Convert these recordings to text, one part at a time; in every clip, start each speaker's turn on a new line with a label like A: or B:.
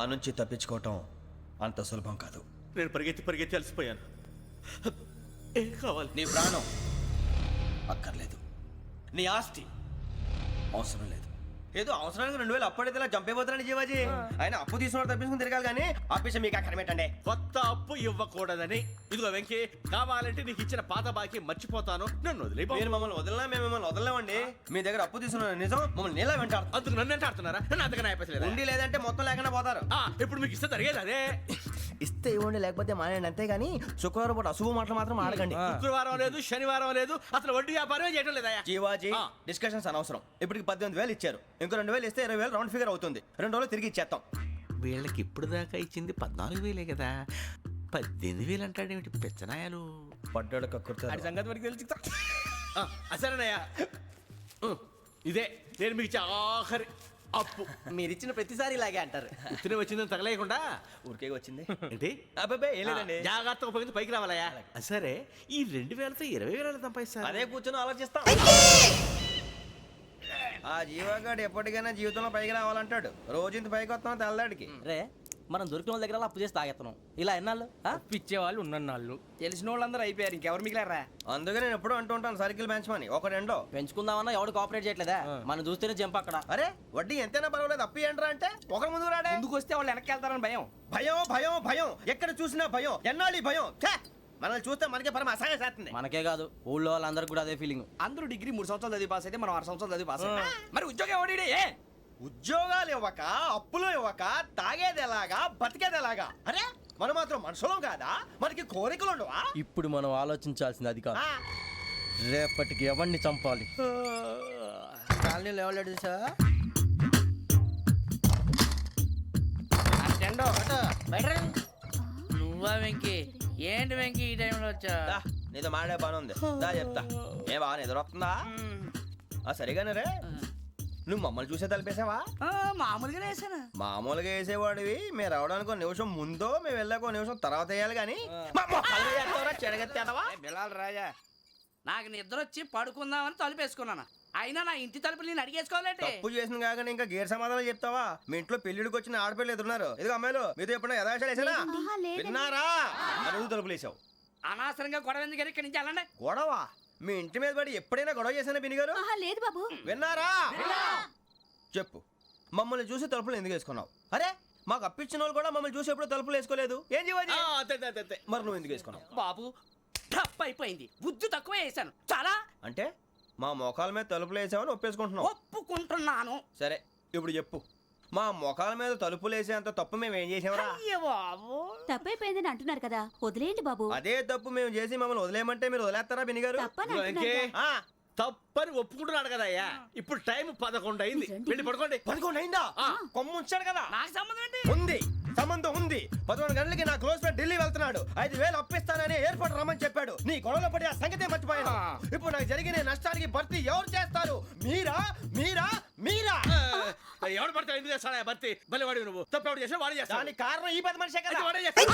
A: నుంచి తప్పించుకోవటం అంత సులభం కాదు.
B: నేను పరిగెత్తి అలసిపోయాను. ఏం కావాలి?
A: నీ ప్రాణం అక్కర్లేదు, నీ ఆస్తి అవసరం లేదు. ఏదో అవసరానికి 2000 అప్పుడైతే ఇలా చంపేపోతారని జీవాజీ. ఆయన అప్పు తీసుకున్న తప్పించుకుని తిరగాలి కానీ ఆపేసి మీకు అక్కడ పెట్టండి.
B: కొత్త అప్పు ఇవ్వకూడదని. ఇదిగో వెంకీ, కావాలంటే నీకు ఇచ్చిన పాత బాకీ మర్చిపోతాను, నన్ను వదిలే.
A: మీరు మమ్మల్ని వదలనా? మేము మిమ్మల్ని వదలలేమండి. మీ దగ్గర అప్పు తీసుకున్న నిజం మమ్మల్ని నీలా వెంటాడు.
B: అందుకు నన్ను ఎంత ఆడుతున్నారా? నన్ను అంతగా నాయపసలేదు.
A: ఉండి లేదంటే మొత్తం లేకుండా పోతారు.
B: ఇప్పుడు మీకు ఇస్తే జరిగేది అదే.
A: ఇస్తే ఇవ్వండి, లేకపోతే మానేయండి, అంతేగాని శుక్రవారం పూట అశుభ మాటలు మాత్రం ఆడకండి.
B: శుక్రవారం లేదు, శనివారం లేదు, అసలు వడ్డీ వ్యాపారమే చేయడం లేదా?
A: జీవాజీ, డిస్కషన్స్ అనవసరం. ఇప్పటికి 18,000 ఇచ్చారు, ఇంకో 2,000 ఇస్తే 20,000 రౌండ్ ఫిగర్ అవుతుంది. 2 రోజులు తిరిగి ఇచ్చేస్తాం.
B: వీళ్ళకి ఇప్పుడు దాకా ఇచ్చింది 14,000 కదా, 18,000 అంటాడేమిటి పెచ్చనాయాలు?
A: పడ్డాడు కక్కుర్తాడు.
B: సంగతి వరకు తెలిసి అసలేనయ్యా, ఇదే నేను మీకు ఇచ్చే ఆఖరి అప్పు.
A: మీరిచ్చిన ప్రతిసారి ఇలాగే అంటారు.
B: ఉత్తినే వచ్చిందని తగలేయకుండా
A: ఊరికే వచ్చింది
B: ఏంటి?
A: అబ్బాయి ఏం లేదండి.
B: జాగ్రత్తగా ఉపయోగించి పైకి రావాలయ్యా. సరే, ఈ 2,000తో 20,000 సంపాదిస్తారు.
A: అదే కూర్చొని ఆలోచిస్తాం. ఆ జీవగాడు ఎప్పటికైనా జీవితంలో పైకి రావాలంటాడు. రోజు ఇంత పైకి వస్తాం తెల్లడికి.
C: రే, మనం దొరికిన వాళ్ళ దగ్గర అప్పు చేసి తాగెత్తనం. ఇలా ఎన్నాళ్ళు
D: పిచ్చేవాళ్ళు ఉన్నన్నాళ్ళు తెలిసిన వాళ్ళందరూ అయిపోయారు, ఇంకెవరు మిగిలారా?
A: అందుకే నేను ఎప్పుడు అంటూ ఉంటాను, సర్కిల్ బెంచ్ మని ఒక రెండో
C: పెంచుకుందామన్నా ఎవడు కోఆపరేట్ చేయట్లేదా? మనం చూస్తేనే జంప్ అక్కడ.
A: అరే వడ్డీ ఎంతైనా పర్వాలేదు, అప్పు ఏంట్రా అంటే ఒక ముందు రాడే.
D: ముందుకు వస్తే వాళ్ళు వెనక్కి వెళ్తారని భయం.
A: భయం భయం భయం, ఎక్కడ చూసినా భయం. ఎన్నాళ్ళు భయం? మనల్ని చూస్తే మనకే పరమ అసహాయం చేస్తుంది.
C: మనకే కాదు, ఊళ్ళో వాళ్ళందరికీ కూడా అదే ఫీలింగ్.
D: అందరూ డిగ్రీ 3 సంవత్సరాలు చదివి పాస్ అయితే మనం 6 సంవత్సరాలు చదివి పాస్ అయ్యాం. మరి ఉద్యోగం ఎవడి?
A: ఉద్యోగాలు ఇవ్వక, అప్పులు ఇవ్వక, తాగేది ఎలాగా, బతికేది ఎలాగా? అరే మనం మాత్రం మనుషులం కాదా? మనకి కోరికలు ఉండవా?
C: ఇప్పుడు మనం ఆలోచించాల్సింది అది కాదు, రేపటికి ఎవరిని చంపాలి.
D: కాలనీలో ఎవరు సార్?
E: నువ్వా వెంకీ? ఏంటి వెంకీ ఈ టైంలో వచ్చా?
A: నీతో మాడే పని ఉంది, దా చెప్తా. ఏ బాగా నిద్రొస్తుందా? సరిగానే రే, నువ్వు మమ్మల్ని చూసే తలిపేసావా?
E: మామూలుగానే వేసాను.
A: మామూలుగా వేసేవాడివి. మేము రావడానికి 1 నిమిషం ముందో, మేము వెళ్ళాక 1 నిమిషం తర్వాత వేయాలి కానీ
D: బిలాల్ రాజా,
E: నాకు నిద్ర వచ్చి పడుకుందామని తలుపేసుకున్నాను. అయినా నా ఇంటి తలుపులు నేను అడిగేసుకోవాలంటే
A: తప్పు చేసిన కాక ఇంకా గేర్ సమాధానం చెప్తావా? మీ ఇంట్లో పెళ్లిడికి వచ్చిన ఆడపిల్లలు ఎదురున్నారు. ఇదిగో అమ్మాయిలు, మీతో ఎప్పుడైనా యథాశాలు వేసానా? విన్నారా? అడుగు తలుపులు వేసావు.
E: అనవసరంగా గొడవ ఎందుకు? ఇక్కడి నుంచి వెళ్ళండి.
A: గొడవ? మీ ఇంటి మీద పడి ఎప్పుడైనా గొడవ చేశానా బిని గారు?
F: లేదు బాబు.
A: విన్నారా? చెప్పు, మమ్మల్ని చూసి తలుపులు ఎందుకు వేసుకున్నావు? అరే మాకు అప్పించిన వాళ్ళు కూడా మమ్మల్ని చూసి ఎప్పుడు తలుపులు వేసుకోలేదు. ఏం చేయాలి? మరి నువ్వు ఎందుకు వేసుకున్నావు?
E: బాబు టప్ అయిపోయింది, బుద్ధి తక్కువ వేసాను చాలా.
A: అంటే మా మోకాల మీద తలుపులు వేసామని ఒప్పేసుకుంటున్నావు?
E: ఒప్పుకుంటున్నాను.
A: సరే ఇప్పుడు చెప్పు, మా మొఖాల మీద తలుపులు వేసేంత తప్పు మేము ఏం చేసామరా?
E: అయ్యో బాబు,
F: తప్పైపోయిందని అంటున్నారు కదా, వదిలేయండి బాబు.
A: అదే తప్పు మేము చేసి మమ్మల్ని వదిలేయమంటే మీరు వదిలేస్తారా బిని గారు?
B: తప్పని ఒప్పుకుంటున్నాడు కదా అయ్యా. ఇప్పుడు టైం 11 అయింది, వెళ్ళి పడుకోండి.
A: 11 అయిందా? కొమ్ము ఉంచాడు కదా.
E: నాకు సంబంధం ఏంటి?
A: ఉంది, సంబంధం ఉంది. 11 గంటలకి నా క్లోజ్ ఫ్రెండ్ ఢిల్లీ వెళ్తున్నాడు. 5,000 అప్పిస్తానని ఎయిర్పోర్ట్ రమ్మని చెప్పాడు. నీ గొడవలో పడి ఆ సంగతే మర్చిపోయాను. ఇప్పుడు నాకు జరిగిన నష్టానికి భర్తీ ఎవరు చేస్తారు? మీరా మీరా మీరా?
B: ఎవడు పడతావు? ఎందుకు చేస్తాడా భర్తీ? భలే వాడి నువ్వు. తప్పు ఎవడు చేసా వాడే చేస్తా.
A: దానికి కారణం ఈ 10 మనిషే కదా.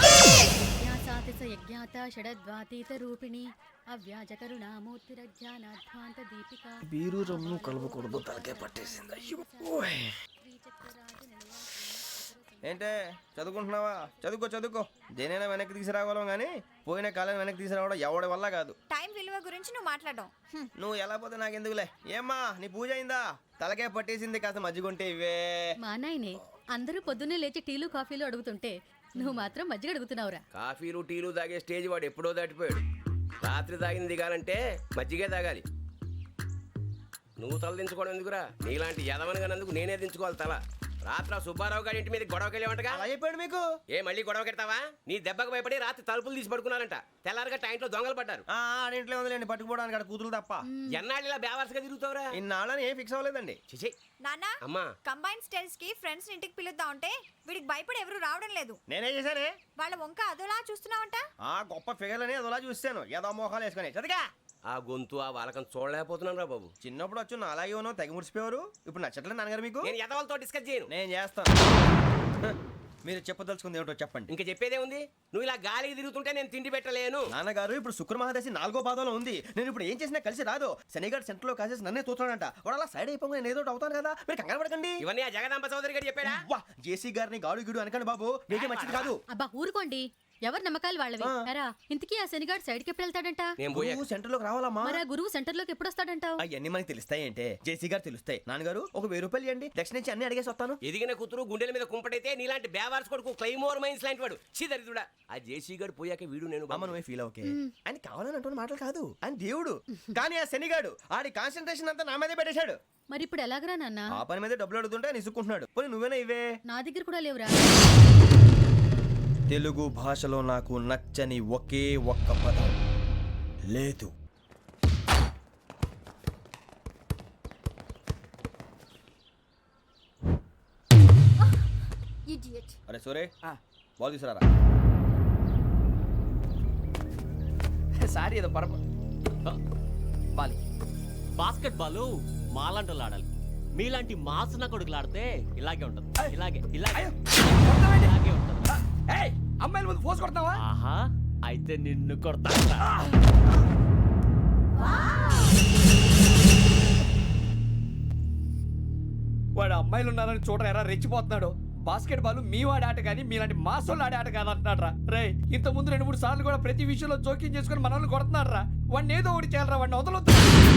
F: యజ్ఞాత షడద్వాతీత రూపిణి అవ్యాజ కరుణామూర్తిరజ్ఞానాధ్వాంత దీపిక.
A: బీరు రమ్ము కలుపుకూడదు, తలకే పట్టేసింది. ఏంటే చదువుకుంటున్నావా? చదువుకో చదువుకో. దేనైనా వెనక్కి తీసుకురావాలం కానీ పోయిన కాలం వెనక్కి తీసుకురావడం ఎవడి వల్ల కాదు.
F: టైం విలువ గురించి నువ్వు మాట్లాడడం.
A: నువ్వు ఎలా పోతే నాకెందుకులే. ఏమ్మా నీ పూజ అయిందా? తలకే పట్టేసింది, కాస్త మజ్జిగుంటే ఇవే.
F: మా నాయనే అందరూ పొద్దున్నే లేచి టీలు కాఫీలు అడుగుతుంటే నువ్వు మాత్రం మజ్జిగ అడుగుతున్నావురా.
G: కాఫీలు టీలు తాగే స్టేజ్ వాడు ఎప్పుడో దాటిపోయాడు. రాత్రి తాగింది దిగాలంటే మజ్జిగే తాగాలి. నువ్వు తల దించుకోవడం ఎందుకురా? నీలాంటి యదవనగానందుకు నేనే దించుకోవాలి తల. రాత్రి సుబ్బారావు గారి ఇంటి మీద గొడవకి వెళ్ళామంటగా.
A: అలా చెప్పాడు మీకు?
G: ఏ మళ్ళీ గొడవ కెడతావా? నీ దెబ్బకు భయపడి రాత్రి తలుపులు తీసి పడుకున్నారంట. తెల్లారగా టైంట్లో దొంగలు పడ్డారు.
A: ఇంట్లో ఉందిలేండి, పట్టుకుపోవడానికి అక్కడ కూతురు తప్ప.
G: ఎన్నాళ్ళు ఇలా బేవర్స్గా తిరుగుతావురా?
A: ఇన్నాళ్ళని ఏం ఫిక్స్ అవ్వలేదండి.
G: చిచి
F: నాన్నా,
G: అమ్మా,
F: కంబైన్ స్టైల్స్ కి ఫ్రెండ్స్ ఇంటికి పిలుద్దాం అంటే వీడికి భయపడి ఎవరు రావడం లేదు.
A: నేనే చేశానే.
F: వాళ్ళ వంక అదోలా చూస్తున్నావంట.
A: గొప్ప ఫిగర్లని అదోలా చూస్తాను, ఏదో మోహాలు వేసుకొని. చదిగా
G: ఆ గొంతు ఆ వాలకం చూడలేకపోతున్నాను రా బాబు.
A: చిన్నప్పుడు వచ్చి నా అలాగే ఉన్నావు, తెగ ముడిచిపోయారు. ఇప్పుడు నచ్చట్లేదు నాన్నగారు మీకు?
G: నేను యదవలతో డిస్కస్ చేయను.
A: నేను చేస్తాను. మీరు చెప్పదలుచుకుంది ఏమిటో చెప్పండి.
G: ఇంకా చెప్పేదే ఉంది. నువ్వు ఇలా గాలికి తిరుగుతుంటే నేను తిండి పెట్టలేను.
A: నాన్నగారు ఇప్పుడు శుక్ర మహాదశి 4వ పాదంలో ఉంది. నేను ఇప్పుడు ఏం చేసినా కలిసి రాదు. శనిగారు సెంటర్ లో కాసేసి నన్నే చూస్తాడంట. వాడు అలా సైడ్ అయిపోయి నేను ఏదో ఒకటి అవుతాను కదా, మీరు కంగారు పడకండి.
G: ఇవన్నీ ఆ జగదాంబ చౌదరి గారు చెప్పాడా?
A: వా జేసీ గారిని గాడు గిడు అనకండి బాబు, మీకే మంచిది కాదు.
F: అబ్బా ఊరుకోండి, ఎవరి నమ్మకాలు వాళ్ళవి. ఎరా ఇంతకీ ఆ శనిగాడు సైడ్ కి ఎప్పుడు వెళ్తాడంట?
G: నేను పోయా.
A: నువ్వు సెంటర్ లోకి రావాలమ్మా.
F: మరి ఆ గురువు సెంటర్ లోకి ఎప్పుడు వస్తాడంటావు?
A: అవన్నీ మనకి తెలుస్తాయి అంటే జేసీ గారు తెలుస్తాయి. నాన్నగారు ఒక 1000 రూపాయలు ఇవ్వండి, దక్షిణ నుంచి అన్ని అడిగేసి వస్తాను.
G: ఎదిగిన కూతురు గుండెల మీద కుంపటైతే నీలాంటి బేవార్స్ కొడుకు క్లైమోర్ మైన్స్ లాంటి వాడు చీదరిదుడా. ఆ జేసీ గారు పోయాక వీడు నేను
A: అమ్మ నువ్వే ఫీల్ ఓకే. ఆయన కావాలని అంటున్న మాటలు కాదు, ఆయన దేవుడు. కానీ ఆ శనిగాడు ఆడి కాన్సన్ట్రేషన్ అంతా నా మీదే పెట్టేశాడు.
F: మరి ఇప్పుడు ఎలాగరా నాన్న?
A: ఆ పని మీద డబ్బులు అడుగుతుంటే నిసుక్కుంటున్నాడు. పోనీ నువ్వేనా ఇవే?
F: నా దగ్గర కూడా లేవురా.
A: తెలుగు భాషలో నాకు నచ్చని ఒకే ఒక్క పదం లేదు. అరే సూరే, బాల్ తీసుకురారా.
D: సారీ ఏదో బాలి
H: బాస్కెట్ బాల్ మాలాంటి వాళ్ళు ఆడాలి. మీలాంటి మాసన కొడుకులు ఆడితే ఇలాగే ఉంటుంది. ఇలాగే ఇలాగే ఇలాగే ఉంటుంది.
D: అమ్మాయిల ముందు ఫోర్స్ కొడతావా?
H: ఆహా, అయితే నిన్ను కొడతా.
D: వాడు అమ్మాయిలు ఉన్నారని చూడరా ఎరా రెచ్చిపోతున్నాడు. బాస్కెట్ బాల్ మీ వాడి ఆట కానీ మీలాంటి మాసోళ్ళు ఆడే ఆట కాదు అంటున్నాడు రా. రే ఇంత ముందు 2-3 సార్లు కూడా ప్రతి విషయంలో జోక్యం చేసుకుని మన వాళ్ళు కొడుతున్నాడు రా. వాడిని ఏదో ఒకటి చేయాలరా, వాడిని వదలొద్దు.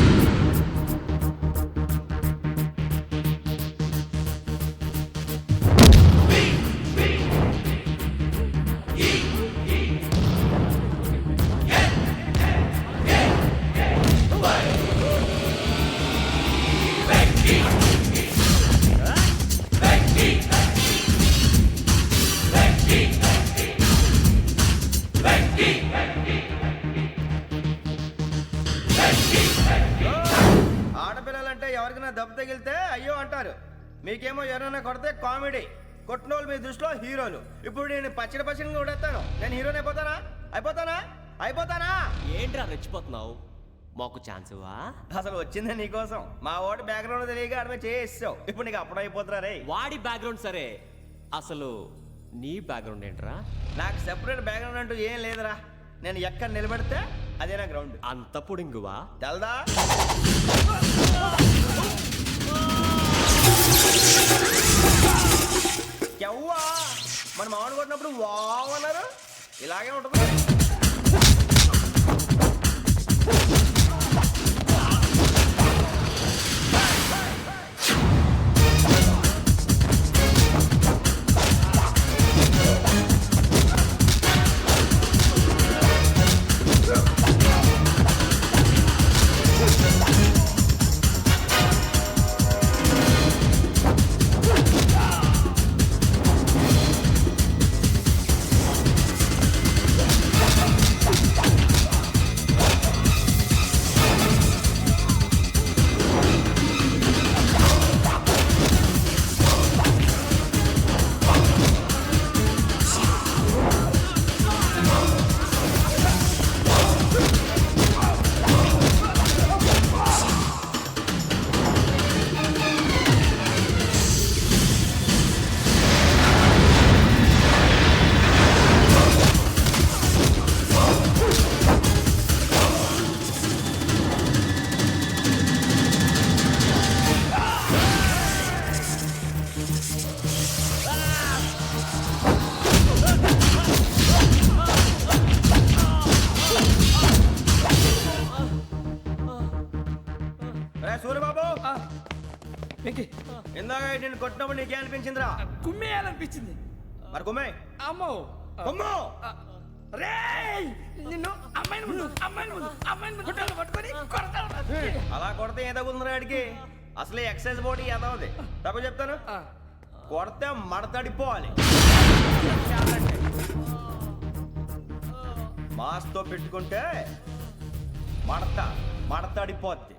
A: ఆడపిల్లలంటే ఎవరికైనా దెబ్బ తగిలితే అయ్యో అంటారు. మీకేమో ఎవరైనా కొడితే కామెడీ. కొట్టిన వాళ్ళు మీ దృష్టిలో హీరోలు. ఇప్పుడు నేను పచ్చడి కొడేస్తాను. నేను హీరోని అయిపోతానా?
H: ఏంట్రా రెచ్చిపోతున్నావు? మాకు ఛాన్స్ ఇవ్వా?
A: అసలు వచ్చిందే నీకోసం. మా ఓటు బ్యాక్గ్రౌండ్ తెలియక ఆడమే చేసావు. ఇప్పుడు నీకు అప్పుడు అయిపోతున్నా రే.
H: వాడి బ్యాక్గ్రౌండ్ సరే, అసలు నీ బ్యాక్గ్రౌండ్ ఏంట్రా?
A: నాకు సెపరేట్ బ్యాక్గ్రౌండ్ అంటూ ఏం లేదురా. నేను ఎక్కడ నిలబెడితే అదే నా గ్రౌండ్.
H: అంత పొడింగువా?
A: తెల్దా? ఎవ్వా మన మామిడి కొట్టినప్పుడు వావ్ అన్నారు. ఇలాగే ఉంటుంది. సూర్యబాబు, ఇందాక నేను కొట్టినప్పుడు నీకే అనిపించిందిరా?
D: కుమ్మేయాలనిపించింది.
A: మరి కుమ్మే.
D: అమ్మో
A: కుమ్ము.
D: రేయ్ నిన్ను అమ్మాయిని ముందు పట్టుకొని కొడతాను.
A: అలా కొడితే ఏ తగ్గుతుందిరా ఆడికి? అసలే ఎక్సైజ్ బాడీ ఏదవుది. తప్పు చెప్తాను. కొడితే మడతడిపోవాలి. మాస్తో పెట్టుకుంటే మడతడిపోద్ది.